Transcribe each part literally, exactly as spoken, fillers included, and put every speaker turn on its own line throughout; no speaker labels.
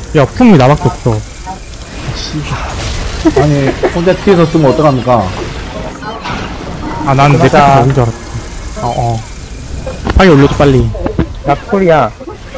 야, 풍이 나밖에 없어.
아니 혼자 뒤에서 쓰면 어떡합니까?
아, 난 내 패턴 먹은 줄 알았어. 어, 어. 파이 올려줘, 빨리.
나 콜이야.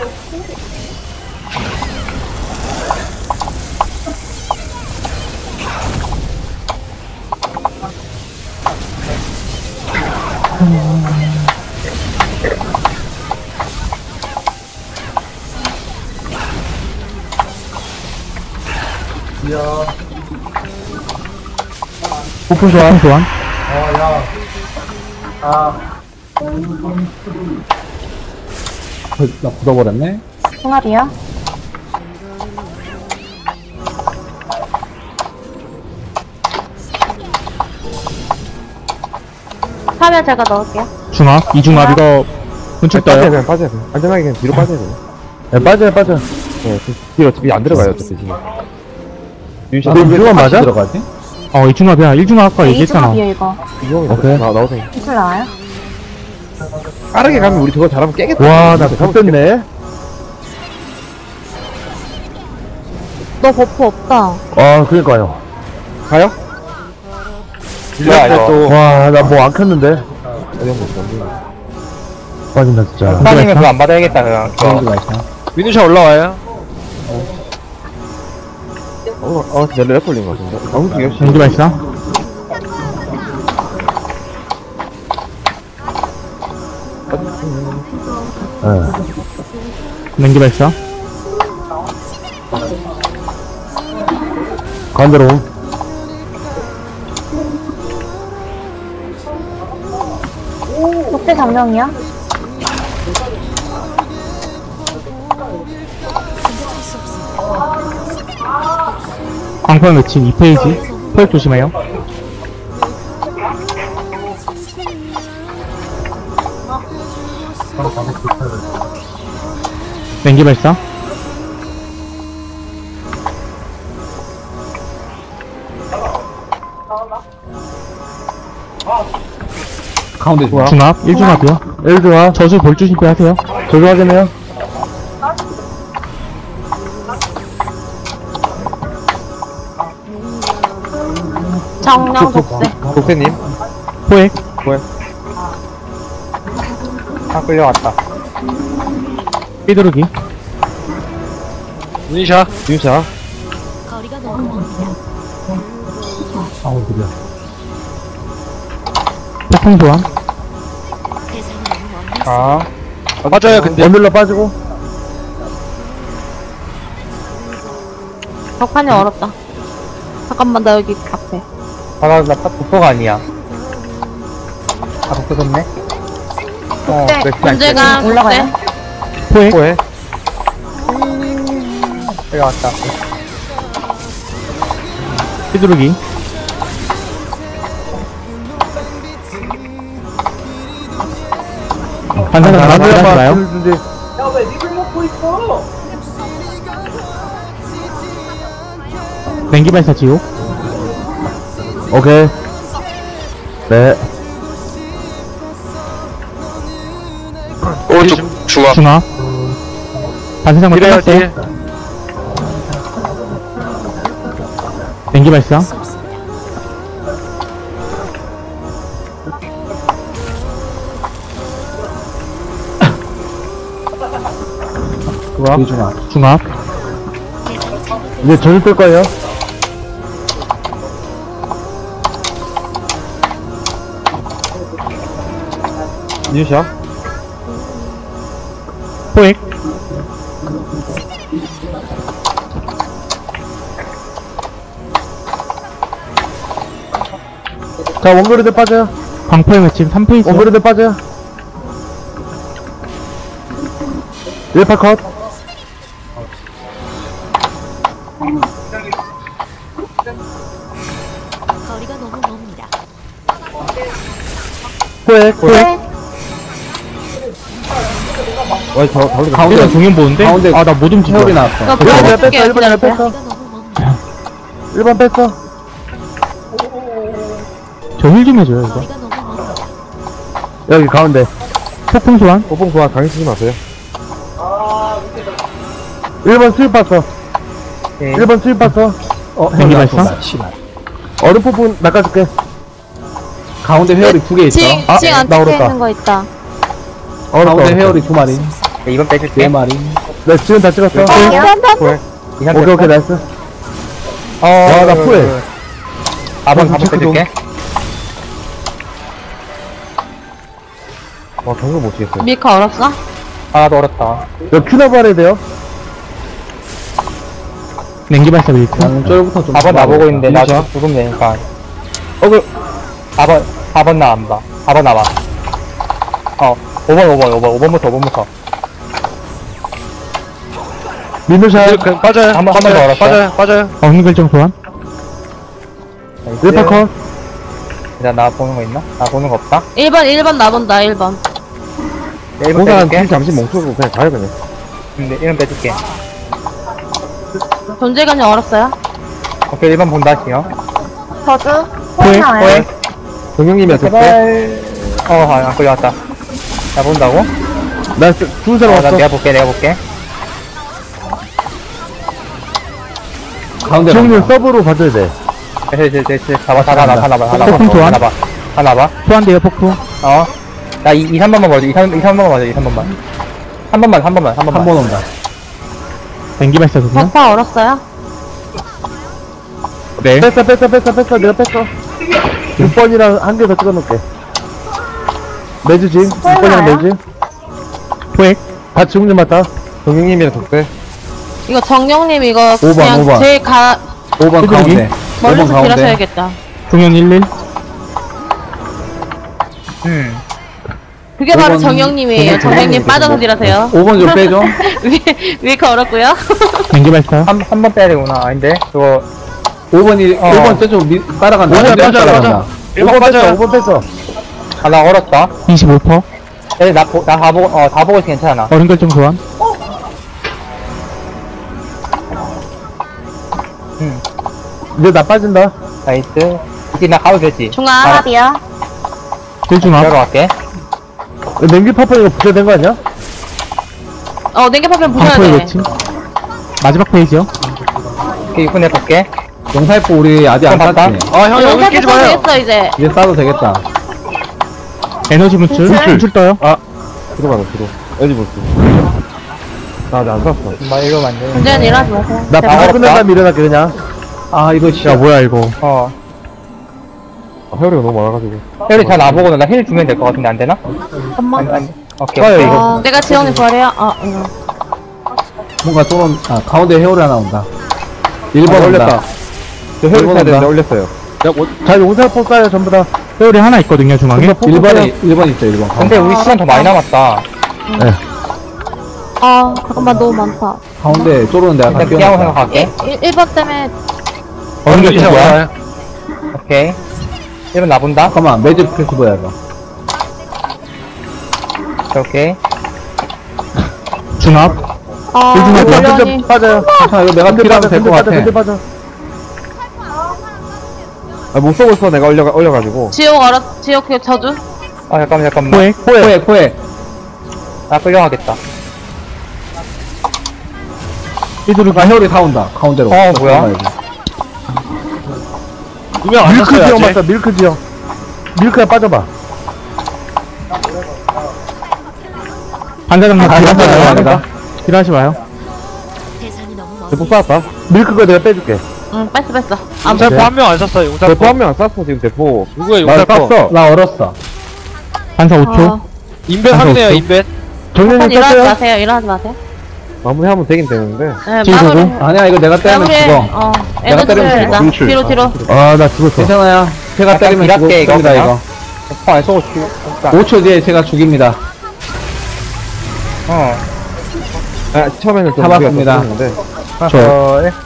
오픈 소환, 소환.
나 굳어버렸네?
총알이요? 하면 제가 넣을게요.
중압, 이중압, 이거, 분출
빠져야
떠요.
그냥 빠져야 돼. 안전하게 그냥 뒤로 빠져야 돼. 네, 빠져요, 빠져. 네, 그 뒤로 어차피 안 들어가요, 어차피 지금. 유시,
너
이중만 맞아?
들어가지?
어, 이중압이야. 일중압 아까 얘기했잖아.
이중합이요 이거.
이중만
오케이.
나, 나오세요.
기술 나와요?
빠르게 가면 우리 저거 잘하면 깨겠다.
와, 나 잡혔네.
너 버프 없다.
아, 그러니까요.
가요?
야,
이거.
와, 나 뭐 안 켰는데.
어디 한번 있어.
빠진다, 진짜.
빠지면 그거 안 받아야겠다, 그냥.
그런 게 있어.
민우샤 올라와요. 어, 어, 진짜 렉 걸린 거 같은데. 너무 귀엽시.
전기 발사.
예.
냉기 발사.
가운데로.
독대 장명이야?
광판 외침 이 페이지. 포획 조심해요. 냉기 발사.
가운데 좋아.
중압, 일중압이요.
일중아.
저주 볼주 신고하세요.
저도 하겠네요.
정령 독대.
독세님.
포획.
다 끌려왔다.
삐두르기.
민우샤. 민우샤.
아우, 그래.
폭풍 소환.
아. 맞아요, 근데.
원들러 빠지고.
벽판이 어렵다. 잠깐만 나 여기 앞에.
아, 나, 나, 독서가 아니야. 아, 독서 졌네? 어,
독대. 문제가 올라가요?
포획.
뭐해? 여기 왔다.
삐두르기. 반사가 나와요. 냉기 발사 지옥.
오케이. 네.
오른쪽 중앙.
중압. 반사장만
이래요,
끝났어요.
뒤에.
냉기 발사.
좋아. 중아.
중압.
이제 저주 뜰 거예요.
민우샤.
포획.
자, 원거리들 빠져요.
광포의 외침 삼 페이지.
원거리들 빠져요. 일파 컷.
거리가 너무 멉니다.
포획. 포획.
와, 저, 다른
가운데 공연 보는데?
가운데
아, 나 못 움직여.
세월이 나왔어.
너
일 번
뭐
뺐어. 일 번 뺐어.
거리가 너무 멉니다.
일 번 뺐어.
저 힐 좀 해줘요, 이거.
거리가 너무 멉니다.
여기 가운데.
폭풍 소환.
오봉 좋아, 당연 쓰지 마세요.
일 번 수입 봤어.
오케이.
일 번 수입 봤어.
어,
냉기
헤어리
발사?
안 씨발.
얼음 폭풍 낚아줄게.
가운데 헤어리 두 개 있어.
징,
아,
징 안
나
찍혀
어렵다.
있는 거 있다.
얼음
가운데
떠.
헤어리 두 마리.
네, 이번
네
빼줄게.
마리.
네, 지금 다 찍었어.
콜. 이상
오케이, 오케이, 나이스.
어,
와, 나 후회.
사 번, 사 번
체크 좀.
빼줄게. 와, 경고 못 치겠어요.
밀카 얼었어?
하나도 어렵다.
이거 큐너브 해야 돼요.
냉기 발사 밀크.
양쪽부터 좀.
사 번 나보고 있는데, 나
자
죽으면 되니까. 어, 그, 사 번, 사 번 나 안 봐. 사 번 나와. 어, 오 번, 오 번, 오 번, 오 번부터, 오 번부터.
민누샷.
빠져요. 한 번, 한 번 더 얼었어. 빠져요, 빠져요.
어느 결정 소환?
일 번 컷.
일단 나 보는 거 있나? 나 보는 거 없다?
일 번, 일 번 나본다, 일 번.
네, 일 번
공간
빼줄게.
잠시 멈추고 그냥 가요, 그냥.
근데 일 번 빼줄게.
존재감이 얼었어요?
오케이, 일 번 본다, 지요.
저주?
호에?
호에?
동영님이 어떻게?
제발. 어, 아, 안 끌려왔다. 나 본다고?
나 두 사람
어, 나
왔어.
내가 볼게, 내가 볼게.
가운데.
지용님
나온다.
서브로 봐줘야 돼.
됐어, 됐어, 됐어. 잡아, 잡아, 나, 하나 봐, 하나 봐.
폭풍 소환?
하나 봐. 하나 봐.
소환돼요 폭풍.
어. 나 이, 이, 삼 번만 봐줘. 이, 삼, 이, 삼 번만 봐줘. 이, 삼 번만. 한 번만, 한 번만, 한 번만.
한 번 온다.
냉기 발사 소환.
버파 얼었어요?
네.
뺐어, 뺐어, 뺐어, 뺐어. 내가 뺐어. 육 번이랑 한 개 더 찍어놓을게. 매주 징. 육 번이랑 매주.
포획.
다 지용님 맞다. 동영님이랑 독대.
이거 정영님 이거
오 번,
그냥
오 번.
제일 가,
오 번
휘두르기?
가운데. 오 번
멀리서
가운데.
딜하셔야겠다.
종현 일일.
음.
그게 바로
오 번
정영님이에요. 정영님 빠져서 딜하세요.
오 번 좀 빼줘.
위, 위에가 얼었고요.
냉기 발사.
한, 한 번 빼야 되구나. 아닌데? 그거,
오 번이,
어.
오 번 저쪽 미, 따라간다.
오 번
내가
빠져,
따라간다.
일 번
오 번 뺐어,
빠져요.
오 번 뺐어.
아, 나 얼었다.
이십오 퍼센트.
에, 나, 보, 나다 보고, 어, 다 보고 있어 괜찮아.
어른 결정 소환.
음.
이제 나 빠진다.
나이스. 이제 나 가도 되지?
중앙
아,
합이요.
일중합.
들어가 갈게.
냉기 파파 이거 붙여야 된 거 아니야?
어, 냉겨파면 부셔야
방포의
돼.
외침. 마지막 페이지요.
오케이, 육 분 내볼게.
용사이프 우리 아직 안
봤다?
땄지.
아, 형,
영상 했어 이제.
이제 싸도 되겠다.
에너지 분출. 분출 떠요.
들어가라, 들어. 어디 볼수. 나 아직 안 샀어.
뭐, 이러면 안 돼.
문제는 일하지 마세요.
나
아,
방어
어렵다.
끝난 다음에 일어날게, 그냥.
아, 이거 진짜.
야 뭐야 이거.
어.
회오리가 너무 많아가지고.
혜리 잘 나보고 나 힐 주면 될 것 같은데 안 되나?
잠깐만.
아니, 아니. 오케이, 오케이.
어, 내가 지영님 버려요? 어, 이거.
뭔가 또, 온- 아, 가운데 헤어리 하나 온다. 일 번
아,
올렸다.
올렸다. 저 회오리
일본
타야 되는데
온다.
올렸어요. 자, 용사포 쏴요, 전부 다.
회오리 하나 있거든요 중앙에.
전부 다
일 번에,
쏘세요.
일 번 있어, 일 번.
근데 우리 시간 더 많이 남았다.
아, 잠깐만, 너무 많다.
가운데 쪼르는 데가 다
일단 피하고
끼워놨다.
생각할게.
일, 일 번 때문에
어른 결정 소환.
오케이. 일 번 나본다.
잠깐만, 매직 패스버야, 이거.
오케이.
중합.
아,
일중합.
걸려니.
빠져요.
괜찮아, 이거 내가
근데
필요하면
빠져,
될
근데
것
빠져,
같아.
근데 빠져. 아, 못 쏘고 있어, 내가 올려, 올려가지고.
지옥 얼었, 지옥 그 저주?
아, 잠깐만, 잠깐만.
포획.
코에, 코에.
나 끌려가겠다.
휘두르기. 아, 헤어리 다 온다, 가운데로.
어, 뭐야?
밀크 지형 맞다, 밀크 지형. 밀크야, 빠져봐.
반사장난
아,
딜하지
반사장난
마요.
아니다.
딜하지 마요.
대상이 너무 멀리
대포 쐈다. 밀크 거 내가 빼줄게.
응, 뺐어, 뺐어. 아,
용사포
뭐,
한 명 안 쐈어, 용사포. 대포 한 명 안 쐈어, 지금 대포. 누구야,
나
용사포?
땄어. 나 얼었어.
반사 오 초.
어,
인벤
반사
확인해요,
오 초.
인벤.
한
정년님
일하지
땄어요?
마세요, 일하지 마세요.
마무리하면 되긴 되는데.
네,
지금
마무리.
보고.
아니야, 이거 내가 때리면
마무리.
죽어.
어,
내가
에너지
때리면
일단.
죽어.
뒤로, 뒤로.
아, 나 죽었어.
괜찮아요. 제가
약간
때리면 죽어.
이랄게, 이거
죽습니다,
그냥.
이거.
포안 쏘고 죽,
오 초 뒤에 제가 죽입니다.
어.
아, 처음에는 좀
잡았습니다.
우리가 좀 죽었는데.
저, 네.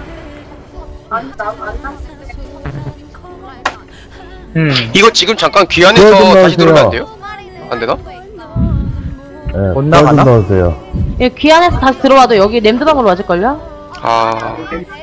음.
이거 지금 잠깐
그거
귀환해서
좀
다시 들어오면 안
넣어주세요.
돼요? 안 되나?
네,
못 나가나?
좀 넣어주세요.
예, 귀환해서 다시 들어와도 여기 램드방으로 맞을걸요?
아,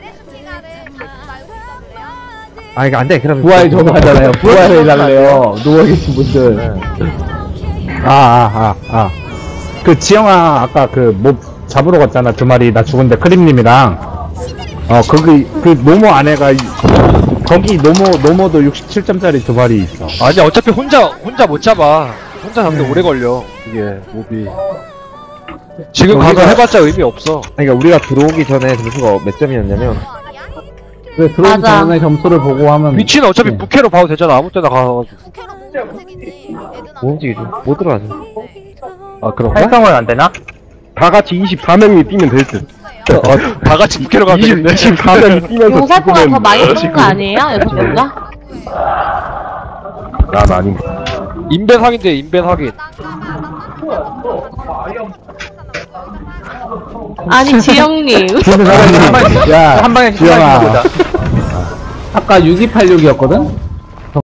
아, 이거 안 돼, 그럼.
부활 좀 하잖아요. 부활을 해달래요. 누워계신 분들.
아, 아, 아, 아. 그, 지영아, 아까 그, 뭐, 잡으러 갔잖아. 두 마리, 나 죽은데, 크림님이랑.
어, 거기, 그 노모 안에가, 이- 거기 노모, 노모도 육십칠 점짜리 두 발이 있어.
아니 어차피 혼자 혼자 못 잡아. 혼자 잡는데 오래 걸려. 이게 몹이. 지금 가서
우리가-
해봤자 의미 없어.
그러니까 우리가 들어오기 전에 점수가 몇 점이었냐면,
왜 들어오기
맞아.
전에 점수를 보고 하면
위치는 어차피
네.
부캐로 봐도 되잖아. 아무 때나 가가지고.
뭐 움직이죠? 못 들어가죠.
아, 그런가? 활성은 안 되나?
다 같이 이십사 명이 뛰면 될 듯.
다 같이 부캐로 가면 되겠네.
이십사 명이 뛰면서
용사포가 더 많이
죽으면
쏘는 거 아니에요? 여섯 명가?
난 아닙니다.
인벤 확인돼, 인벤 확인.
아니, 지영님.
야,
한 방에
지영아.
보자.
아까 육이팔육이었거든?